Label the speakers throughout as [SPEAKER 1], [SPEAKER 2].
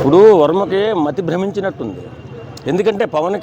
[SPEAKER 1] ఇప్పుడు వర్మకి మతి భ్రమించినట్టుంది. ఎందుకంటే పవన్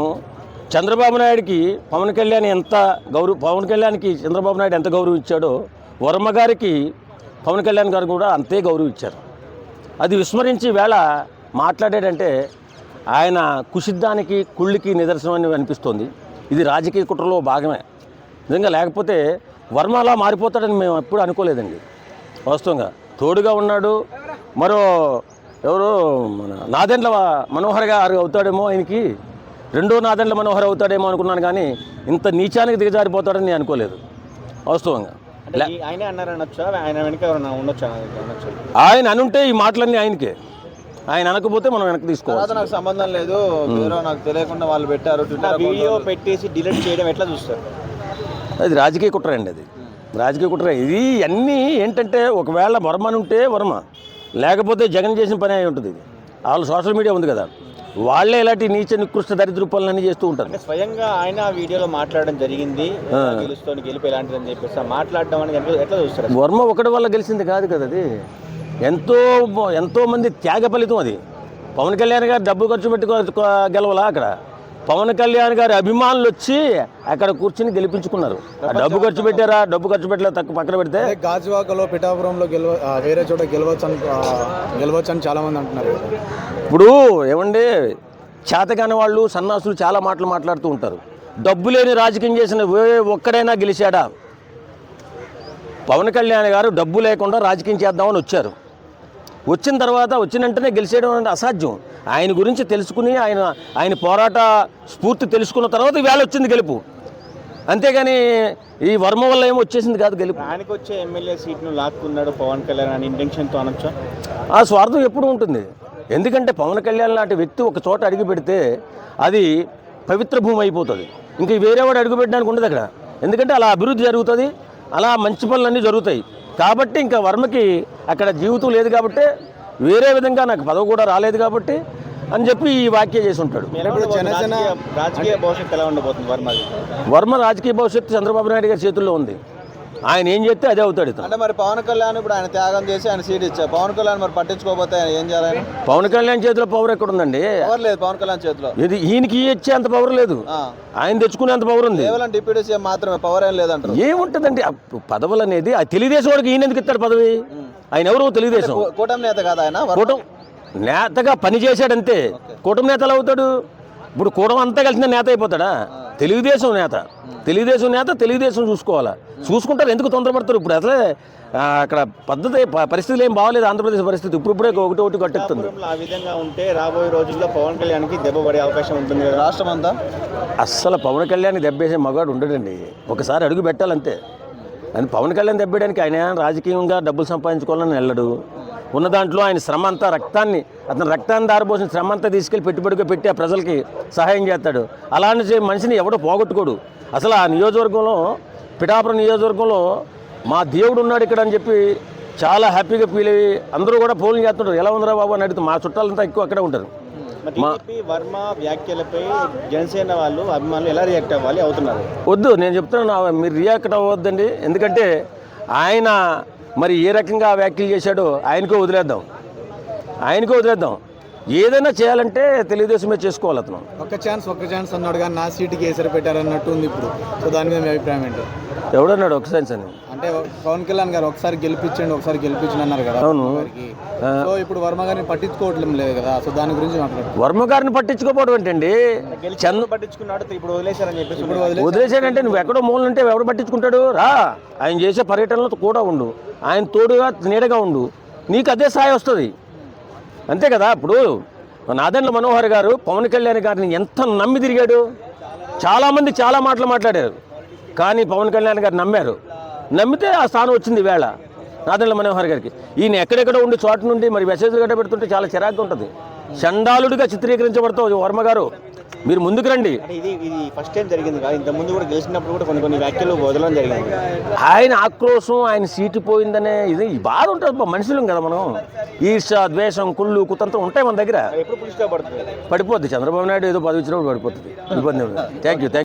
[SPEAKER 1] కళ్యాణ్ ఎంత పవన్ కళ్యాణ్కి చంద్రబాబు నాయుడు ఎంత గౌరవం ఇచ్చాడో వర్మ గారికి పవన్ కళ్యాణ్ గారు కూడా అంతే గౌరవం ఇచ్చారు. అది విస్మరించి వేళ మాట్లాడాడంటే ఆయన కుషిద్ధానికి కుళ్ళికి నిదర్శనం అని అనిపిస్తోంది. ఇది రాజకీయ కుట్రలో భాగమే. నిజంగా లేకపోతే వర్మ అలా మారిపోతాడని మేము ఎప్పుడు అనుకోలేదండి. వాస్తవంగా తోడుగా ఉన్నాడు. మరో ఎవరు మన నాదెండ్ల మనోహర్ గారు అవుతాడేమో, ఆయనకి రెండో నాదెండ్ల మనోహర్ అవుతాడేమో అనుకున్నాను, కానీ ఇంత నీచానికి దిగజారిపోతాడని నేను అనుకోలేదు వాస్తవంగా.
[SPEAKER 2] ఆయన అన్నారనొచ్చా, ఆయన వెనక ఎవరైనా ఉండొచ్చా?
[SPEAKER 1] ఆయన అనుంటే ఈ మాటలన్నీ ఆయనకే, ఆయన అనకపోతే మనం వెనక్కి తీసుకోవాలి.
[SPEAKER 2] నాకు సంబంధం లేదు, నాకు తెలియకుండా వాళ్ళు పెట్టారు వీడియో పెట్టేసి డిలీట్ చేయడం ఎట్లా చూస్తారు?
[SPEAKER 1] అది రాజకీయ కుట్ర అండి. అది రాజకీయ కుట్ర. ఇది అన్నీ ఏంటంటే ఒకవేళ వర్మ ఉంటే వర్మ, లేకపోతే జగన్ చేసిన పని అయి ఉంటుంది. ఇది వాళ్ళు సోషల్ మీడియా ఉంది కదా, వాళ్ళే ఇలాంటి నీచ నికృష్ట దరిద్ర పనులన్నీ చేస్తూ ఉంటారు.
[SPEAKER 2] స్వయంగా ఆయన వీడియోలో మాట్లాడడం జరిగింది, గెలిపి ఎలాంటిదని చెప్పేసి మాట్లాడడం అనేది ఎట్లా చూస్తారు?
[SPEAKER 1] వర్మ ఒకటి వల్ల గెలిచింది కాదు కదా, అది ఎంతో మంది త్యాగ ఫలితం. అది పవన్ కళ్యాణ్ గారు డబ్బు ఖర్చు పెట్టి గెలవలా, అక్కడ పవన్ కళ్యాణ్ గారి అభిమానులు వచ్చి అక్కడ కూర్చుని గెలిపించుకున్నారు. డబ్బు ఖర్చు పెట్టారా, డబ్బు ఖర్చు పెట్టలే తక్కువ పక్కన పెడితే
[SPEAKER 3] గాజువాకలో పిఠాపురంలో వేరే చోట గెలవచ్చు అని చాలా మంది అంటున్నారు.
[SPEAKER 1] ఇప్పుడు ఏమండి, చేతకాని వాళ్ళు సన్నాసులు చాలా మాటలు మాట్లాడుతూ ఉంటారు. డబ్బు లేని రాజకీయం చేసిన ఒక్కడైనా గెలిచాడా? పవన్ కళ్యాణ్ గారు డబ్బు లేకుండా రాజకీయం చేద్దామని వచ్చారు. వచ్చిన తర్వాత వచ్చిన వెంటనే గెలిచేయడం అంటే అసాధ్యం. ఆయన గురించి తెలుసుకుని ఆయన పోరాట స్ఫూర్తి తెలుసుకున్న తర్వాత వేళ వచ్చింది గెలుపు. అంతేగాని ఈ వర్మ వల్ల ఏమో వచ్చేసింది కాదు గెలుపు.
[SPEAKER 2] ఆయనకు వచ్చే ఎమ్మెల్యే సీట్ను లాక్కున్నాడు పవన్ కళ్యాణ్ అని ఇంటెన్షన్తో అనొచ్చా?
[SPEAKER 1] ఆ స్వార్థం ఎప్పుడు ఉంటుంది. ఎందుకంటే పవన్ కళ్యాణ్ లాంటి వ్యక్తి ఒక చోట అడుగు పెడితే అది పవిత్ర భూమి అయిపోతుంది. ఇంక వేరేవాడు అడుగు పెట్టడానికి ఉండదు అక్కడ. ఎందుకంటే అలా అభివృద్ధి జరుగుతుంది, అలా మంచి పనులన్నీ జరుగుతాయి. కాబట్టి ఇంకా వర్మకి అక్కడ జీవితం లేదు కాబట్టి, వేరే విధంగా నాకు పదవి కూడా రాలేదు కాబట్టి అని చెప్పి ఈ వ్యాఖ్య చేసి ఉంటాడు.
[SPEAKER 2] రాజకీయ భవిష్యత్తు ఎలా ఉండబోతుంది
[SPEAKER 1] వర్మ రాజకీయ భవిష్యత్తు చంద్రబాబు నాయుడు గారి చేతుల్లో ఉంది. ఆయన ఏం చేస్తే అదే అవుతాడు.
[SPEAKER 2] అంటే మరి పవన్ కళ్యాణ్ ఇప్పుడు ఆయన త్యాగం చేసి ఆయన సీట్ ఇచ్చారు, పవన్ కళ్యాణ్ మరి పట్టించుకోకపోతే ఏం చేయాలి?
[SPEAKER 1] పవన్ కళ్యాణ్ చేతిలో పవర్ ఎక్కడ ఉందండి?
[SPEAKER 2] పవర్ లేదు పవన్ కళ్యాణ్ చేతిలో.
[SPEAKER 1] ఇది ఈయనకి ఇచ్చే అంత పవర్ లేదు, ఆయన తెచ్చుకునేంత పవర్ ఉంది.
[SPEAKER 2] కేవలం డిప్యూటీ సీఎం మాత్రమే, పవర్ ఏం లేదంటారు.
[SPEAKER 1] ఏముంటుందండి పదవులు అనేది? ఆ తెలుగుదేశం వాడికి ఈయన ఎందుకు ఇస్తాడు పదవి? ఆయన ఎవరు? తెలుగుదేశం
[SPEAKER 2] కూటమి నేత కాదు ఆయన,
[SPEAKER 1] కూటమి నేతగా పనిచేశాడంతే. కూటమి నేత ఎలా అవుతాడు? ఇప్పుడు కూటమి అంతా కలిసిన నేత అయిపోతాడా? తెలుగుదేశం నేత తెలుగుదేశం చూసుకోవాలా, చూసుకుంటారు. ఎందుకు తొందరపడతారు? ఇప్పుడు అసలే అక్కడ పరిస్థితులు ఏం బాగలేదు. ఆంధ్రప్రదేశ్ పరిస్థితి ఇప్పుడిప్పుడే ఒకటి కట్టెత్తుంది.
[SPEAKER 2] ఆ విధంగా ఉంటే రాబోయే రోజుల్లో పవన్ కళ్యాణ్కి దెబ్బ పడే అవకాశం ఉంటుంది కదా రాష్ట్రం అంతా.
[SPEAKER 1] అస్సలు పవన్ కళ్యాణ్ దెబ్బేసే మగాడు ఉండడండి. ఒకసారి అడుగు పెట్టాలంతే. అని పవన్ కళ్యాణ్ దెబ్బేయడానికి ఆయన రాజకీయంగా డబ్బులు సంపాదించుకోవాలని వెళ్ళడు. ఉన్న దాంట్లో ఆయన శ్రమ అంతా రక్తాన్ని దారిపోసిన శ్రమ అంతా తీసుకెళ్ళి పెట్టుబడిగా పెట్టి ఆ ప్రజలకి సహాయం చేస్తాడు. అలాంటి మనిషిని ఎవడో పోగొట్టుకోడు. అసలు ఆ నియోజకవర్గంలో, పిఠాపురం నియోజకవర్గంలో మా దేవుడు ఉన్నాడు ఇక్కడ అని చెప్పి చాలా హ్యాపీగా ఫీల్ అయ్యి అందరూ కూడా ఫోన్లు చేస్తుంటారు. ఎలా ఉందిరా బాబు అని అడుగుతారు. మా చుట్టాలంతా ఎక్కువ అక్కడే ఉంటారు.
[SPEAKER 2] వర్మ వ్యాఖ్యలపై జనసేన వాళ్ళు అభిమానులు ఎలా రియాక్ట్ అవ్వాలి అవుతున్నారు?
[SPEAKER 1] వద్దు, నేను చెప్తున్నాను, మీరు రియాక్ట్ అవ్వద్దండి. ఎందుకంటే ఆయన మరి ఏ రకంగా వ్యాఖ్యలు చేశాడో ఆయనకో వదిలేద్దాం. ఏదైనా చేయాలంటే తెలుగుదేశమే చేసుకోవాలి. అతను
[SPEAKER 3] ఒక్క ఛాన్స్ అన్నాడు కానీ నా సీటుకి ఏసరి పెట్టారన్నట్టు ఉంది ఇప్పుడు. సో దాని మీద మీ అభిప్రాయం ఏంటో?
[SPEAKER 1] ఎవడన్నాడు ఒక్క ఛాన్స్ అని?
[SPEAKER 3] అంటే పవన్ కళ్యాణ్ గారు ఒకసారి గెలిపించండి అన్నారు కదా.
[SPEAKER 1] అవును.
[SPEAKER 3] సో ఇప్పుడు వర్మ గారిని పట్టించుకోవట్లేదు లేదు కదా. సో దాని గురించి మాట్లాడు.
[SPEAKER 1] వర్మ గారిని పట్టించుకోపోవడం ఏంటండి?
[SPEAKER 2] పట్టించుకున్నాడు, ఇప్పుడు వదిలేశారని చెప్పేసి.
[SPEAKER 1] వదిలేశాడంటే నువ్వు ఎక్కడో మూల ఉంటే ఎవరు పట్టించుకుంటాడు? రా, ఆయన చేసే పర్యటనలో కూడా ఉండు, ఆయన తోడుగా నీడగా ఉండు, నీకు అదే స్థాయి వస్తుంది. అంతే కదా. ఇప్పుడు నాదెండ్ల మనోహర్ గారు పవన్ కళ్యాణ్ గారిని ఎంత నమ్మి తిరిగాడు. చాలామంది చాలా మాటలు మాట్లాడారు, కానీ పవన్ కళ్యాణ్ గారు నమ్మితే ఆ స్థానం వచ్చింది వేళ నాదెండ్ల మనోహర్ గారికి. ఈయన ఎక్కడెక్కడ ఉండి చోట నుండి మరి మెసేజ్లు గట్ట పెడుతుంటే చాలా చిరాగ్గా ఉంటుంది. చండాలుడిగా చిత్రీకరించబడతావు వర్మ గారు. మీరు ముందుకు రండి.
[SPEAKER 2] ఇది ఫస్ట్ టైం జరిగింది కదా, ఇంత ముందు కూడా గెలిచినప్పుడు కూడా కొన్ని వ్యాఖ్యలు వదలడం జరిగింది.
[SPEAKER 1] ఆయన ఆక్రోశం, ఆయన సీటు పోయిందనే ఇది బాధ ఉంటుంది. మనుషులం కదా మనం. ఈర్ష, ద్వేషం, కుళ్ళు, కుతంత్రం ఉంటాయి మన దగ్గర.
[SPEAKER 2] ఎప్పుడు పులిస్గా
[SPEAKER 1] పడిపోద్ది. చంద్రబాబు నాయుడు ఏదో పదవి ఇచ్చినప్పుడు పడిపోతుంది. ఇబ్బంది. Thank you.